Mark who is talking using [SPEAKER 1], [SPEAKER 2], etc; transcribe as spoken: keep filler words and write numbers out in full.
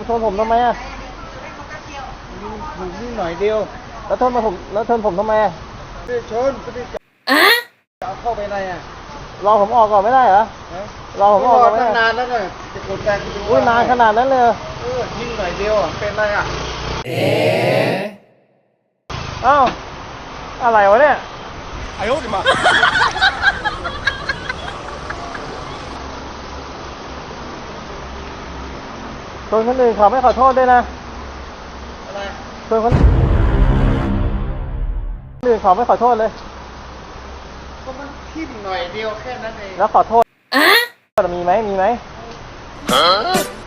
[SPEAKER 1] ชนผมทำไมอ่ะ
[SPEAKER 2] ถูกนิดหน่อยเดียว
[SPEAKER 1] แล้วชนมาผมแล้วชนผมทำไมอ่ะ
[SPEAKER 2] ไม่ชนไม่ได้จะเอาเข้าไปในอ่ะ
[SPEAKER 1] รอผมออกก่อนไม่ได้เหรอรอผมออกก่อนไม่
[SPEAKER 2] ตั้
[SPEAKER 1] ได้
[SPEAKER 2] งนานแล้วเนี่ยจะกดแรงกูดู
[SPEAKER 1] อุ้ยนานขนาดนั้นเลยเหรอ
[SPEAKER 2] เออยิงหน่อยเดียวอ่ะเป็นไรอ่ะเอ๊ะ
[SPEAKER 1] เอ้าอะไรวะเนี่ย
[SPEAKER 2] 哎呦我的妈
[SPEAKER 1] ชนคนอื่นเขาไม่ขอโทษด้วยนะ
[SPEAKER 2] อะไร
[SPEAKER 1] ชนคนอื่นเขาไม่ขอโทษเลย
[SPEAKER 2] ก็มันทิ่มหน่อยเดียวแค่นั้นเอง
[SPEAKER 1] แล้วขอโทษมีไหมมีไหม